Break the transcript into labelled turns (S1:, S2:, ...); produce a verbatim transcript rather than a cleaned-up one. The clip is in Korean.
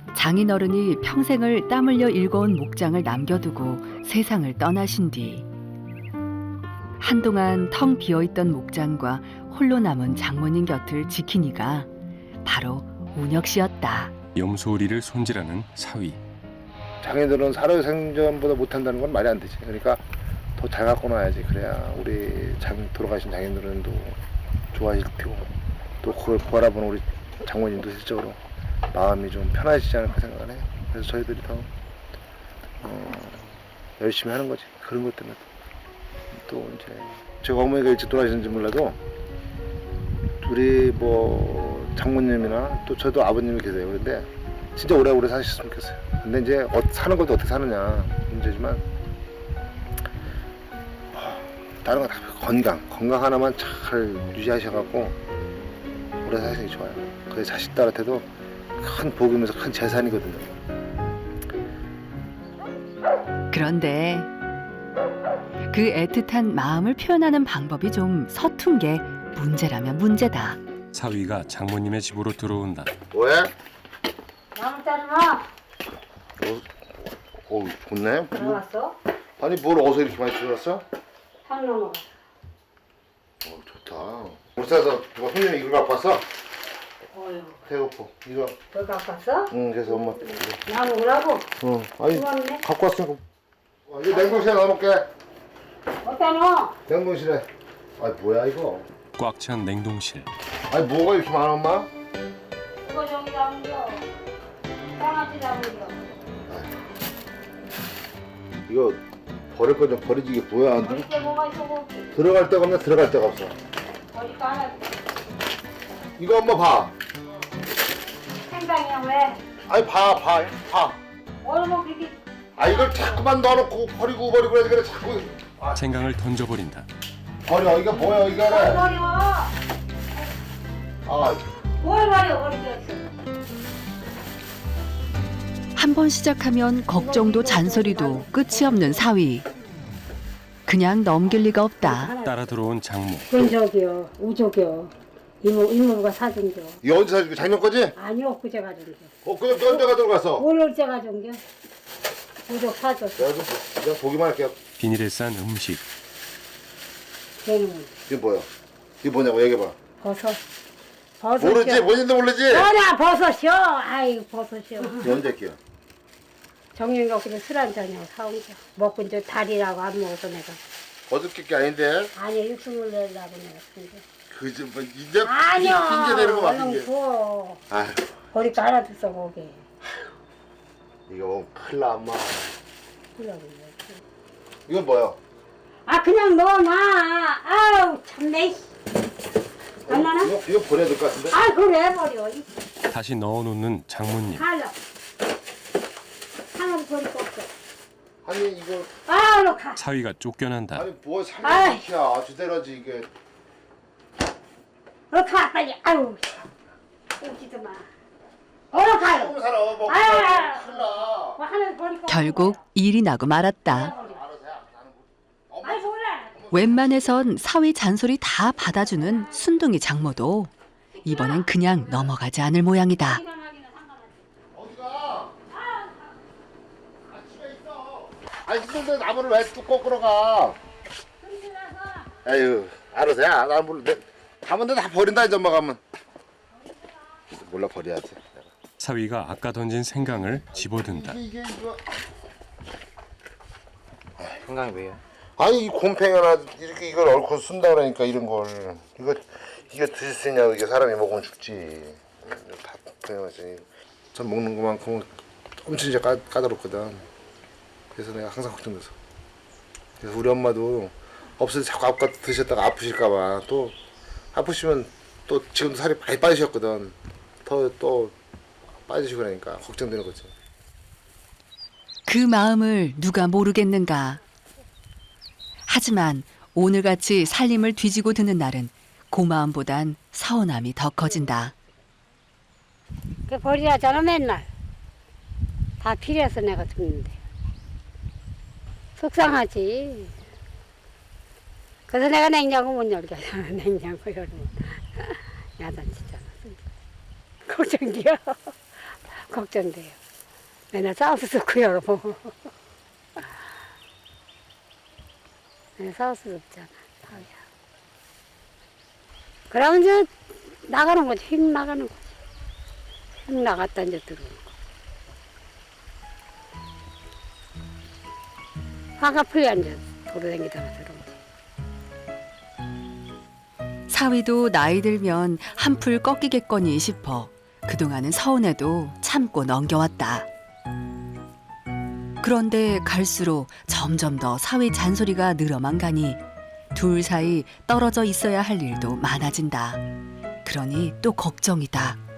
S1: 장인어른이 평생을 땀 흘려 일궈온 목장을 남겨두고 세상을 떠나신 뒤 한동안 텅 비어있던 목장과 홀로 남은 장모님 곁을 지킨 이가 바로 운혁 씨였다.
S2: 염소리를 손질하는 사위.
S3: 장인들은 살아생전보다 못한다는 건 말이 안 되지. 그러니까 더 잘 갖고 놔야지. 그래야 우리 장, 돌아가신 장인들은도 좋아하실 테고 또 그걸 바라보는 우리 장모님도 실적으로 마음이 좀 편해지지 않을까 생각을 해요. 그래서 저희들이 더 어, 열심히 하는 거지. 그런 것 때문에 또 이제 제가 어머니가 일찍 돌아가셨는지 몰라도 우리 뭐 장모님이나 또 저도 아버님이 계세요. 그런데 진짜 오래오래 사셨으면 좋겠어요. 근데 이제 어, 사는 것도 어떻게 사느냐 문제지만 다른 거 다 건강, 건강 하나만 잘 유지하셔갖고 오래 사시는 게 좋아요. 그게 자식들한테도 큰 복이면서 큰 재산이거든요.
S1: 그런데 그 애틋한 마음을 표현하는 방법이 좀 서툰 게 문제라면 문제다.
S2: 사위가 장모님의 집으로 들어온다.
S3: 뭐해?
S4: 나무 자르마.
S3: 어, 어 좋네.
S4: 들어왔어?
S3: 아니 뭘 어디서 이렇게 많이 들어왔어?
S4: 탕 넘어.
S3: 어 좋다. 울산에서 누가 손님이 이걸 갖고 왔어?
S4: 어휴.
S3: 배고파. 이거.
S4: 너 갖고 왔어?
S3: 응 그래서 엄마.
S4: 나 먹으라고?
S3: 응. 아니
S4: 고맙네.
S3: 갖고 왔으니까. 어, 이거 냉동실에 넣어놓을게.
S4: 어디다 넣어?
S3: 냉동실에. 아니 뭐야 이거?
S2: 꽉 찬 냉동실.
S3: 아니 뭐가 이렇게 많아 엄마?
S4: 그거 저기 담겨. 장아찌 담겨.
S3: 이거 버릴 거 좀 버리지 이게 뭐야?
S4: 버릴 게 뭐가 있어 거기.
S3: 들어갈 데가 없네 들어갈 데가 없어.
S4: 버릴 거 하나.
S3: 이거 엄마 봐.
S4: 생강이야 왜?
S3: 아니 봐 봐 봐.
S4: 얼마 그게
S3: 아 이걸 자꾸만 넣어놓고 버리고 버리고 해서 그래 자꾸. 아
S2: 생강을 던져버린다.
S3: 버려 이거 뭐야 이거
S4: 뭘
S3: 그래.
S4: 버려?
S3: 아
S4: 뭘 버려 버리겠어.
S1: 한 번 시작하면 걱정도 잔소리도 끝이 없는 사위. 그냥 넘길 리가 없다.
S2: 따라 들어온 장모.
S4: 그건 저기요 우족이요. 이모 이모가 사준겨.
S3: 이거 언제 사줄게 작년 거지?
S4: 아니요 그제 가준겨.
S3: 어 그냥 또 언제가 들어갔어?
S4: 뭘 어제 가준겨? 우족 사줬어.
S3: 내가 좀 내가 보기만 할게요.
S2: 비닐에 싼 음식.
S4: 걔는
S3: 이게 뭐야? 이게 뭐냐고 얘기해봐.
S4: 버섯. 버섯이요.
S3: 모르지 뭔지도 모르지?
S4: 뭐냐 버섯이요. 아이 버섯이요.
S3: 이거 언제 할게요?
S4: 정영이 엊그제 술 한잔이요 사온 거. 먹고 이제 다리라고 안 먹어서 내가.
S3: 어저께 게 아닌데.
S4: 아니 육수물 내려고 내가 근데.
S3: 그지 뭐 이제
S4: 아니요.
S3: 핑계 대는 거
S4: 얼른
S3: 맞는데.
S4: 구워.
S3: 아휴
S4: 버릴 거 하나 줬어 거기.
S3: 이거 뭐 큰일 나 엄마.
S4: 그러고.
S3: 이건 뭐야?
S4: 아 그냥 넣어놔. 아우 참내. 안 나나?
S3: 이거, 이거 버려야 될 것 같은데?
S4: 아 그래 버려. 이
S2: 다시 넣어놓는 장모님.
S4: 칼로. 하나도 버릴 거 없어.
S3: 아니 이거
S4: 아 얼른 가.
S2: 사위가 쫓겨난다.
S3: 아니 뭐
S4: 아이.
S3: 삼십이야 주대로지 이게.
S4: 얼른 가 빨리. 아유. 오지도 마. 얼른 가요.
S3: 조금 살아 뭐.
S4: 아.
S3: 큰일 나.
S4: 뭐 하나 버릴 거
S1: 결국 일이 나고 말았다.
S3: 알아서 해. 나는 뭐.
S4: 아이 몰라.
S1: 웬만해선 사위 잔소리 다 받아주는 순둥이 장모도 이번엔 그냥 넘어가지 않을 모양이다.
S3: 어디가? 아 집에 있어. 아니 힘든데 나무를 왜 뚜껑 끌어가? 에휴 알아서 해. 나는 몰라. 내- 가면 다 버린다 이제 엄마 가면. 몰라 버려야지.
S2: 사위가 아까 던진 생강을 집어든다.
S3: 이게 이게 이거.
S5: 생강이 왜요?
S3: 아니 이 곰팡이 하나 이렇게 이걸 얽고 쓴다 그러니까 이런 걸 이거 이게 드실 수 있냐고 이게 사람이 먹으면 죽지. 다 그냥하지. 전 먹는 것만큼 엄청 이제 까, 까다롭거든. 그래서 내가 항상 걱정돼서. 그래서 우리 엄마도 없을 때 자꾸 아까 드셨다가 아프실까봐 또 아프시면 또 지금도 살이 많이 빠지셨거든. 더 또 빠지시고 그러니까 걱정되는 거지.
S1: 그 마음을 누가 모르겠는가. 하지만 오늘같이 살림을 뒤지고 드는 날은 고마움보단 서운함이 더 커진다.
S4: 그 버리라잖아 맨날. 다 필요해서 내가 죽는데. 속상하지. 그래서 내가 냉장고 못 열게 하잖아. 냉장고 열면. 야단 진짜. 걱정이야. 걱정돼요. 맨날 싸울 수도 없고요. 뭐. 맨날 싸울 수도 없잖아. 사위야. 그러면 이제 나가는 거지. 휙 나가는 거지. 휙 나갔다 이제 들어오는 거. 화가 풀려 이제 돌아다니다가 들어오지.
S1: 사위도 나이 들면 한풀 꺾이겠거니 싶어 그동안은 서운해도 참고 넘겨왔다. 그런데 갈수록 점점 더 사위 잔소리가 늘어만 가니 둘 사이 떨어져 있어야 할 일도 많아진다. 그러니 또 걱정이다.